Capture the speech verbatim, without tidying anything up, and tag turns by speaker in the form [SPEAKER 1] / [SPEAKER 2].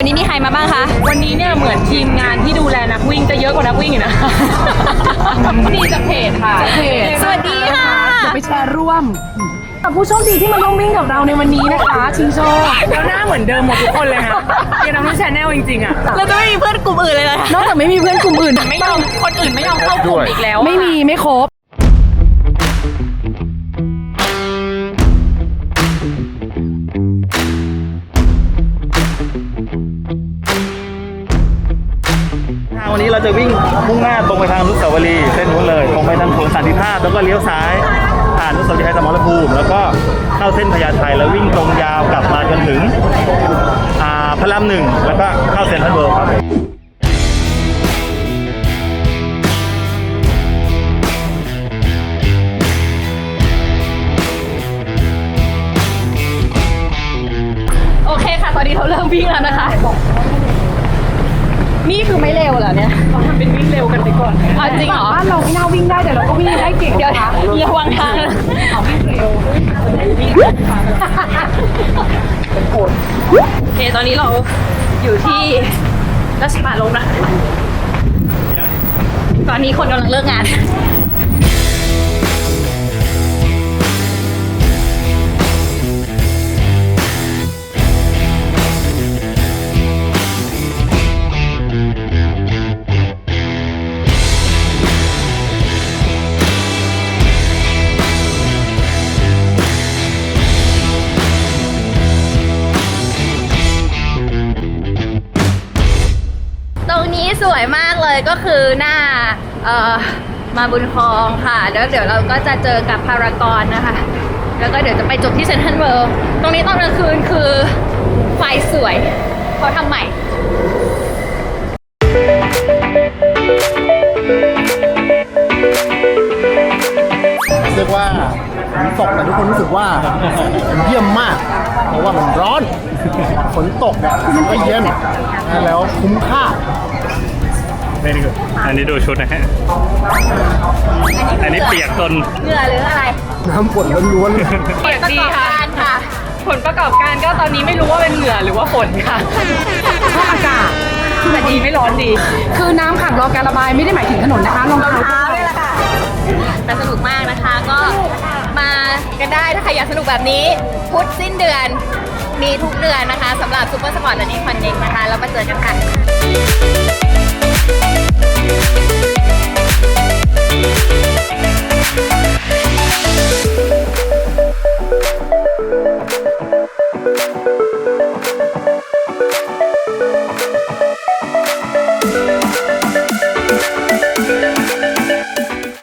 [SPEAKER 1] นี้มีใครมาบ้างคะ
[SPEAKER 2] วันนี้เนี่ยเหมือนทีมงานที่ดูแลนักวิ่งจะเยอะกว่านักวิ่งอยู่นะนี่จากเพจค่ะเพจ
[SPEAKER 1] สวัสดีค่ะ
[SPEAKER 2] จะไปแชร์ร่วมกับผู้โชคดีที่มาร่วมวิ่งกับเราในวันนี้นะคะชิงโชคแล้วหน้าเหมือนเดิมหมดทุกคนเลยนะยังน้องแชนแนลจริงๆอ่ะ
[SPEAKER 1] เราจะไม่มีเพื่อนกลุ่มอื่นเลยเลย
[SPEAKER 2] นอกจากไม่มีเพื่อนกลุ่มอื่นไม่ยอมคนอื่นไม่ยอมเข้ากลุ่มอีกแล้วไม่มีไม่ครบ
[SPEAKER 3] วันนี้เราจะวิ่งมุ่งหน้าตรงไปทางอนุสาวรีย์เส้นนู้นเลยตรงไปทางสวนสันติภาพแล้วก็เลี้ยวซ้ายผ่านอนุสาวรีย์ชัยสมรภูมิแล้วก็เข้าเส้นพญาไทแล้ววิ่งตรงยาวกลับมาจนถึงอ่าพระรามหนึ่งแล้วก็เข้าเซ็นทรัลเวิลด์ครับ
[SPEAKER 1] โอเคค่ะตอนนี้เราเริ่มวิ่งแล้วนะคะนี่คือไม่เร็วเหรอเนี่ย
[SPEAKER 2] เราทำเป็นวิ่งเร็วกันไปก่อน
[SPEAKER 1] อ๋อจริงเหรอ
[SPEAKER 2] บ้านเราไม่น่าวิ่งได้แต่เราก็วิ่งได้เก่ง
[SPEAKER 1] เดี๋ยวระวังทาง
[SPEAKER 2] เอาวิ่งเร็ว
[SPEAKER 1] โอเคตอนนี้เราอยู่ที่ราชปาลมนะตอนนี้คนกำลังเลิกงานตรงนี้สวยมากเลยก็คือหน้าเอ่อมาบุญครองค่ะแล้วเดี๋ยวเราก็จะเจอกับพารากอนนะคะแล้วก็เดี๋ยวจะไปจบที่เซ็นทรัลเวิลด์ตรงนี้ตอนกลางคืนคือไฟสวยเขาทำใหม่
[SPEAKER 4] เรียกว่าฝนตกแต่ทุกคนรู้สึกว่ามันเยี่ยมมากเพราะว่ามันร้อนฝนตกเนี่ยมันก็เย็นแล้วคุ้มค่า
[SPEAKER 3] นี่นี่อันนี้ดูชุดนะฮะอันนี้เปียกจน
[SPEAKER 1] เหงื่อหรืออะไร
[SPEAKER 4] น้ำฝนล้วน
[SPEAKER 2] เปียกดี
[SPEAKER 1] ค่ะ
[SPEAKER 2] ผลประกอบการก็ตอนนี้ไม่รู้ว่าเป็นเหงื่อหรือว่าฝนค่ะชอบอากาศแต่ดีไม่ร้อนดีคือน้ำขังรอการระบายไม่ได้หมายถึงถนนนะคะรองเท้า
[SPEAKER 1] ด้วยล่ะค่ะแต่สนุกมากนะคะก็มากันได้ถ้าใครอยากสนุกแบบนี้พุธสิ้นเดือนมีทุกเดือนนะคะสำหรับซูเปอร์สปอร์ตและนี่คอนเน็กนะคะแล้วมาเจอกันค่ะ